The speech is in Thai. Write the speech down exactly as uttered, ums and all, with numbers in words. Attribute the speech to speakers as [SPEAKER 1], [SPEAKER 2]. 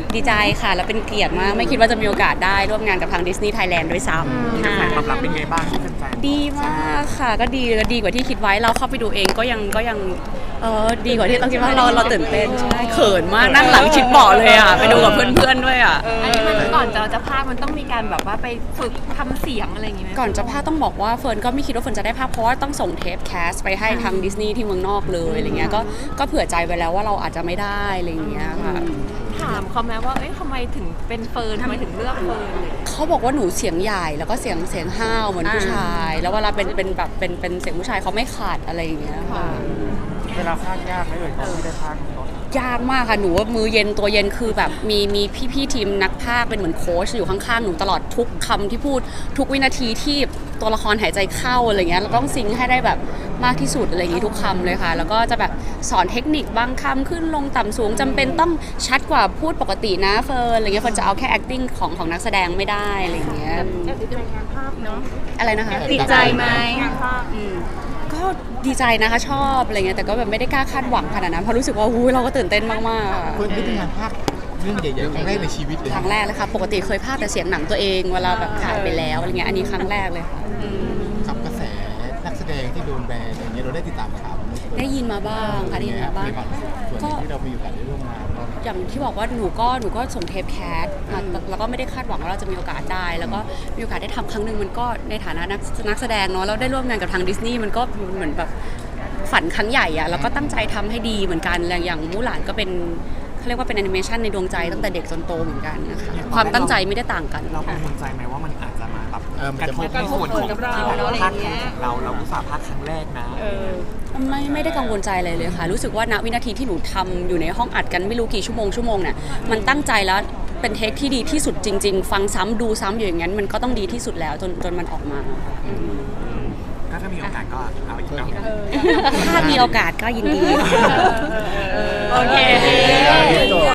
[SPEAKER 1] ดีใจค่ะแล้วเป็นเกียรติมากไม่คิดว่าจะมีโอกาสได้ร่วมงานกับทาง Disney Thailand ด้วยซ้ำค่ะ
[SPEAKER 2] ตอบรับเป็นไงบ้างที่แฟนๆ
[SPEAKER 1] ดีมากค่ะก็ดีดีกว่าที่คิดไว้เราเข้าไปดูเองก็ยังก็ยังเออดีกว่าที่ต้องคิดว่าเราเราตื่นเต้นใช่เขินมากนั่งหลังชิดเบาะเลยอ่ะไปดูกับเพื่อนๆด้วยอ่ะ
[SPEAKER 3] อันนี้มันก่อนเราจะพากย์มันต้องมีการแบบว่าไปฝึกทำเสียงอะไรอย่างงี้ไหม
[SPEAKER 1] ก่อนจะพากย์ต้องบอกว่าเฟิร์นก็ไม่คิดว่าเฟิร์นจะได้ภาพเพราะว่าต้องส่งเทปแคสไปให้ทางดิสนีย์ที่เมืองนอกเลยอะไรเงี้ยก็ก็เผื่อใจไว้แล้วว่าเราอาจจะไม่ได้อะไรเงี้ยค่ะ
[SPEAKER 3] ถามเขาไหมว่าเอ้ยทำไมถึงเป็นเฟิร์นทำไมถึงเลือกเฟิร์นเลย
[SPEAKER 1] เขาบอกว่าหนูเสียงใหญ่แล้วก็เสียงเสียงห้าวเหมือนผู้ชาย แล้วเวลาเป็นเป็นแบบเป็นเป็นเสียงผู้ชายเขาไม่ขาดอะไรอย่างเงี้ยค่ะ
[SPEAKER 2] เวลาพากย์ยากไหมเอ่ยตอนที่ได้พากย์รถ
[SPEAKER 1] ยากมากค่ะหนูว่ามือเย็นตัวเย็นคือแบบมีมีพี่ๆทีมนักพากย์เป็นเหมือนโค้ชอยู่ข้างๆหนูตลอดทุกคำที่พูดทุกวินาทีที่ตัวละครหายใจเข้าอะไรเงี้ยเราต้องซิงค์ให้ได้แบบมากที่สุดอะไรอย่างงี้ทุกคำเลยค่ะแล้วก็จะแบบสอนเทคนิคบางคำขึ้นลงต่ำสูงจำเป็นต้องชัดกว่าพูดปกตินะเฟิร์นอะไรเงี้ยเฟิร์นจะเอาแค่ acting ของของนักแสดงไม่ได้อะไรเงี้ย
[SPEAKER 3] ติดใจงานภาพเนาะ
[SPEAKER 1] อะไรนะคะ
[SPEAKER 3] ติดใจไหมงานภาพ
[SPEAKER 1] อืมก็ดีใจนะคะชอบอะไรเงี้ยแต่ก็แบบไม่ได้กล้าคาดหวังขนาดนั้นเพราะรู้สึกว่าอุ้ยเราก็ตื่นเต้นมากๆ
[SPEAKER 4] คนที่ทำงานภาคเรื่องใหญ่ๆครั้งแรกในชีวิตเลย
[SPEAKER 1] ครั้งแรกเลยค่ะปกติเคยพากย์แต่เสียงหนังตัวเองเวลาแบบถ่ายไปแล้วอะไรเงี้ยอันนี้ครั้งแรกเลยค่ะ
[SPEAKER 4] กับกระแสนักแสดงที่โดนแบนอย่างเงี้ยเราได้ติดตามข่าวไหม
[SPEAKER 1] ได้ยินมาบ้างค่ะได้ยินมาบ้าง
[SPEAKER 4] ในความรู้สึกส่วนที่เรามีโอกาสได้ร่วมงานเรา
[SPEAKER 1] อย่างที่บอกว่าหนูก็หนูก็ส่งเทปแคสมาแล้วก็ไม่ได้คาดหวังว่าเราจะมีโอกาสได้ แล้วก็มีโอกาสได้ทำครั้งหนึ่งมันก็ในฐานะนักนักแสดงเนาะแล้วได้ร่วมงานกับทางดิสนีย์มันก็เหมือนแบบฝันครั้งใหญ่อะแล้วก็ตั้งใจทำให้ดีเหมือนกันอย่างมูหลานก็เป็นเขาเรียกว่าเป็นแอนิเมชันในดวงใจตั้งแต่เด็กจนโตเหมือนกันนะคะความตั้งใจไม่ได้ต่างกัน
[SPEAKER 2] เรากังวลใจไหมว่ามันอาจจะมาแบบ
[SPEAKER 4] เออมัน
[SPEAKER 2] กระ
[SPEAKER 4] จะ
[SPEAKER 2] ทบในส่วนของที่แบบพากย์ของเราเราอุตส่าห์พากย์ครั้งแรกนะ
[SPEAKER 1] ไม่ไม่ได้กังวลใจอะไรเลยค่ะ รู้สึกว่าณวินาทีที่หนูทำอยู่ในห้องอัดกันไม่รู้กี่ชั่วโมงชั่วโมงเนี่ยมันตั้งใจแล้วเป็นเทคที่ดีที่สุดจริง ๆ ฟังซ้ำดูซ้ำอยู่อย่างนั้นมันก็ต้องดีที่สุดแล้วจนจนมันออกมา
[SPEAKER 2] ก็ถ้ามีโอกาสก็เอาอีกเนาะ
[SPEAKER 1] ถ้ามีโอกาสก็ยินดี
[SPEAKER 3] โอเค